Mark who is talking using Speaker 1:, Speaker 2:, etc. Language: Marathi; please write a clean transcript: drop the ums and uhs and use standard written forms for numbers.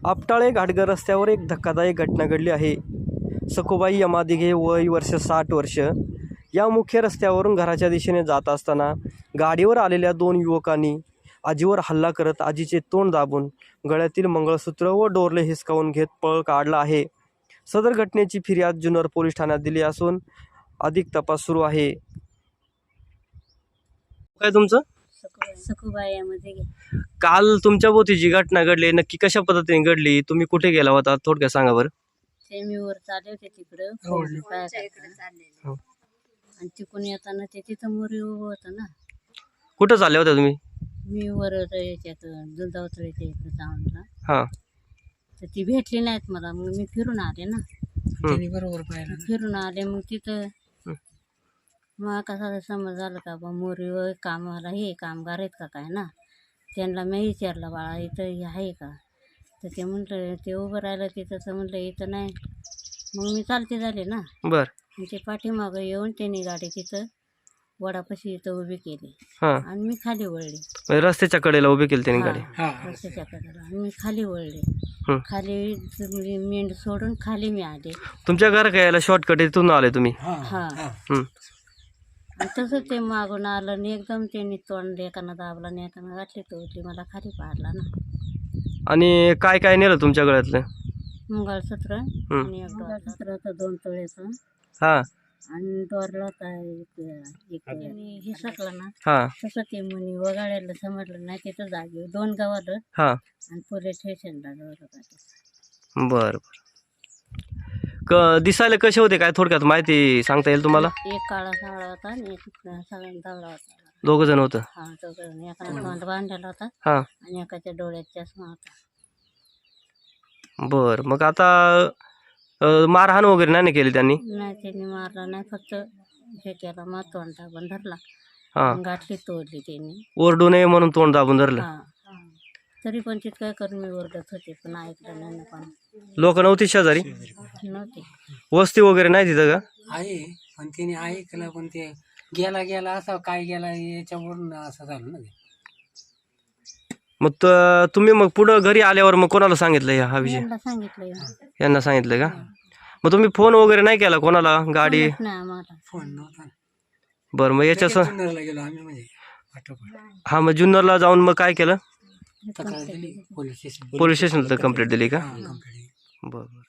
Speaker 1: आपटाळे घाटगर रस्त्यावर एक धक्कादायक घटना घडली आहे. सखुबाई यमादिघे वय वर्ष 60 वर्ष या मुख्य रस्त्यावरून घराच्या दिशेने जात असताना गाडीवर आलेल्या 2 युवकांनी आजीवर हल्ला करत आजीचे तोंड दाबून गळ्यातील मंगळसूत्र व डोरले हिसकावून घेत पळ काढला आहे. सदर घटनेची फिर्याद जुन्नर पोलीस ठाण्यात दिली असून अधिक तपास सुरू आहे. काय तुमचं?
Speaker 2: सखुबाईमध्ये
Speaker 1: काल तुमच्या भोवती जी घटना घडली नक्की कशा पद्धतीने घडली? तुम्ही कुठे गेला होता थोडक्यात सांगा बरं.
Speaker 2: ते मी वर चालले होते तिकडं
Speaker 1: हो.
Speaker 2: आणि तिकडून येताना ते तिथं मोरी उभं होतं ना.
Speaker 1: कुठं चालले होते तुम्ही?
Speaker 2: मी वर याच्यात दुधावतळीच्या इकडे जाऊनला
Speaker 1: हां
Speaker 2: तर ती भेटली नाहीत मला. मग मी फिरून आले ना.
Speaker 3: त्यांनी बरोबर पाहिलं.
Speaker 2: फिरून आले मग तिथं मग कसा समज झालं का बा मोरी कामाला हे कामगार आहेत का काय ना. त्यांना मी विचारलं बाळा इथं हे आहे का, तर ते म्हटलं ते उभं राहिलं तिथं. तर म्हटलं इथं नाही. मग मी चालते झाले ना.
Speaker 1: बर.
Speaker 2: आणि ते पाठीमागं येऊन त्यांनी गाडी तिथं वडापाशी इथं उभी केली
Speaker 1: हां
Speaker 2: आणि मी खाली वळली.
Speaker 1: म्हणजे रस्त्याच्या कडेला उभी केली त्यांनी गाडी.
Speaker 2: रस्त्याच्या कडेला आणि मी खाली वळले.
Speaker 1: हं.
Speaker 2: खाली मेंढ सोडून खाली मी आले.
Speaker 1: तुमच्या घर यायला शॉर्टकट इथून आले तुम्ही?
Speaker 2: हा
Speaker 1: हं.
Speaker 2: आणि तसं ते मागून आलं आणि एकदम त्यांनी तोंड एकानं दाबला आणि एकानं घातली तोडली. मला खाली पाडला ना.
Speaker 1: आणि काय काय नेलं तुमच्या गळ्यातलं?
Speaker 2: मंगळसूत्र आणि एक मंगळसूत्र होतं 2 तोळ्याचं
Speaker 1: हां
Speaker 2: आणि डोरला होता एक हे सकलं ना.
Speaker 1: हां
Speaker 2: तसं ते म्हणे वगाळ्याला समजलं नाही. तिथं जागेवर 2 गावाला
Speaker 1: हां
Speaker 2: आणि पोलीस स्टेशनला होता.
Speaker 1: बरं बरं. दिसायला कसे होते काय थोडक्यात माहिती सांगता येईल तुम्हाला?
Speaker 2: एक काळा सावळा होता आणि एक सगळ्यांना धावळा होता.
Speaker 1: दोघं जण होतं?
Speaker 2: हा दोघं. एकाला तोंड बांधलेला होता
Speaker 1: हां
Speaker 2: आणि एकाच्या डोळ्यात चष्मा होता.
Speaker 1: बरं. मग आता मारहाण वगैरे नाही ना केली त्यांनी?
Speaker 2: नाही त्यांनी मारला नाही. फक्त हे केला मग तोंड दाबून धरला.
Speaker 1: हां
Speaker 2: गाठली तोडली त्यांनी.
Speaker 1: ओरडू नये म्हणून तोंड दाबून धरलं.
Speaker 2: हा तरी पण तिथं काय करून मी ओरडत होते पण ऐकलं नाही ना. पण
Speaker 1: लोक नव्हती शेजारी?
Speaker 2: नव्हते.
Speaker 1: वस्ती वगैरे नाही तिथं का?
Speaker 3: आहे पण त्याने ऐकलं. पण ते गेला असा काय गेला याच्यावरून असं झालं ना.
Speaker 1: मग तुम्ही मग पुढं घरी आल्यावर मग कोणाला सांगितलं हा विषय?
Speaker 2: यांना सांगितलं
Speaker 1: यांना सांगितलं का? मग तुम्ही फोन वगैरे नाही केला कोणाला? गाडी
Speaker 2: नाही आम्हाला.
Speaker 3: फोन नव्हता.
Speaker 1: बरं. मग याच्या
Speaker 3: जुन्नरला गेलो आम्ही म्हणजे पाठोपाठ.
Speaker 1: हा मग जुन्नरला जाऊन मग काय केलं?
Speaker 3: तक्रार दिली पोलीस स्टेशन.
Speaker 1: पोलीस स्टेशनला कंप्लेंट दिली का?
Speaker 3: कंप्लेंट.
Speaker 1: बरं.